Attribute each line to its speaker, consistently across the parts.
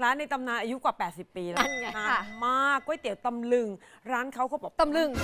Speaker 1: ร้านในตำนานอายุกว่า80 ปีแล้ว
Speaker 2: นั่นไง
Speaker 1: นานมากก๋วยเตี๋ยวตำลึงร้านเขาบอก
Speaker 2: ตำลึง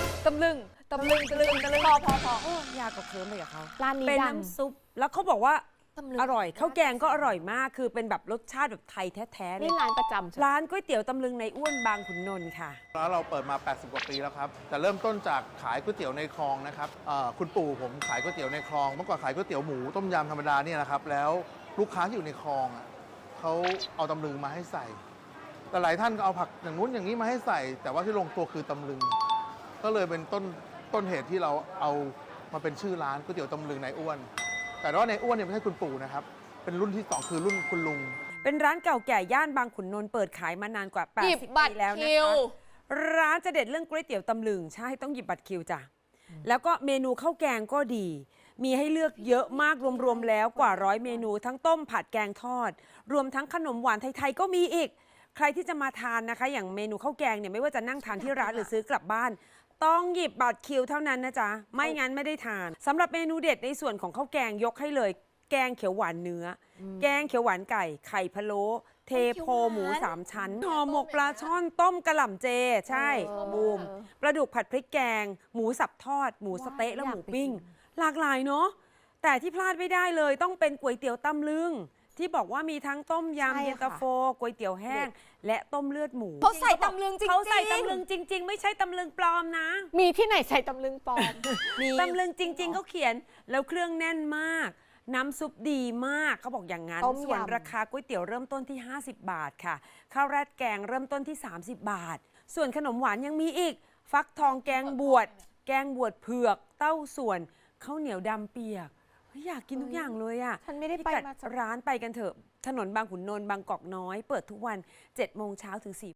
Speaker 2: พอ
Speaker 1: ยากกับเคิร์มไปกับเขา
Speaker 2: ร้านนี้
Speaker 1: เป็น
Speaker 2: ดัง
Speaker 1: น้ำซุปแล้วเขาบอกว่า
Speaker 2: ตำลึง
Speaker 1: อร่อยข้าวแกงก็อร่อยมากคือเป็นแบบรสชาติแบบไทยแท้ๆเล
Speaker 2: นี่
Speaker 1: ย
Speaker 2: ร้านประจำใช่ไหม
Speaker 1: ร้านก๋วยเตี๋ยวตำลึงในอ้วนบางขุนนนท์ค่ะ
Speaker 3: ร้านเราเปิดมา 80 กว่าปีแล้วครับแต่เริ่มต้นจากขายก๋วยเตี๋ยวในคลองนะครับคุณปู่ผมขายก๋วยเตี๋ยวในคลอง เมื่อก่อนขายก๋วยเตี๋ยวหมูต้มยำธรรมดาเนี่ยนะครับ แล้วลูกค้าที่อยู่ในคลองอ่ะเขาเอาตำลึงมาให้ใส่ แต่หลายท่านก็เอาผักอย่างนู้นอย่างนี้มาให้ใส่ แต่ว่าที่ลงตัวคือตำลึง ก็เลยเป็นต้นเหตุที่เราเอามาเป็นชื่อร้านก๋วยเตี๋ยวตำลึงนายอ้วน แต่ว่าในอ้วนเนี่ยไม่ใช่คุณปู่นะครับ เป็นรุ่นที่ 2 คือรุ่นคุณลุง
Speaker 1: เป็นร้านเก่าแก่ย่านบางขุนนนท์เปิดขายมานานกว่า
Speaker 2: หยิบ
Speaker 1: 80
Speaker 2: บั
Speaker 1: ปี
Speaker 2: ตร
Speaker 1: แล้วนะ
Speaker 2: คิว
Speaker 1: คะร้านจะเด็ดเรื่องก๋วยเตี๋ยวตำลึงใช่ต้องหยิบบัตรคิวจ้ะแล้วก็เมนูข้าวแกงก็ดี มีให้เลือกเยอะมากรวมๆแล้วกว่า100 เมนูทั้งต้มผัดแกงทอด รวมทั้งขนมหวานไทยๆก็มีอีก ใครที่จะมาทานนะคะ อย่างเมนูข้าวแกงเนี่ยไม่ว่าจะนั่งทานที่ร้านหรือซื้อกลับบ้าน ต้องหยิบบัตรคิวเท่านั้นนะจ๊ะไม่งั้นไม่ได้ทานสำหรับเมนูเด็ดในส่วนของข้าวแกงยกให้เลย แกงเขียวหวานเนื้ออแกงเขียวหวานไก่ไข่พะโล้เทโพหมู3 ชั้นห่อหมกปลาช่อนต้มกระหล่ำเจใช่บูมปลาดุกผัดพริกแกง หมูสับทอด หมูสะเต๊ะและหมูปิ้งหลากหลายเนาะแต่ที่พลาดไม่ได้เลยต้องเป็นก๋วยเตี๋ยวตำลึงที่บอกว่ามีทั้งต้มยำเย็นตาโฟก๋วยเตี๋ยวแห้ง และต้มเลือดหมู
Speaker 2: เขาใส่ตำลึงจริงๆ
Speaker 1: เขาใส่ตำลึงจริง ๆ ไม่ใช่ตำลึงปลอมนะ
Speaker 2: มีที่ไหนใส่ตำลึงปลอม
Speaker 1: ตำลึงจริง ๆเขาเขียนแล้วเครื่องแน่นมาก น้ำซุปดีมากเขาบอกอย่างนั้น
Speaker 2: ต้มยำ
Speaker 1: ส่วนราคาก๋วยเตี๋ยวเริ่มต้นที่ 50 บาทค่ะข้าวราดแกงเริ่มต้นที่ 30 บาท ส่วนขนมหวานยังมีอีก ฟักทองแกงบวชแกงบวชเผือก เต้าส่วนข้าวเหนียวดำเปียกเฮ้ยอยากกินทุกอย่างเลยอ่ะ
Speaker 2: ฉันไม่ได้ไป
Speaker 1: พิกัด
Speaker 2: มา
Speaker 1: ร้านไปกันเถอะถนนบางขุนนนท์บางกอกน้อย เปิดทุกวัน7 โมงเช้าถึง4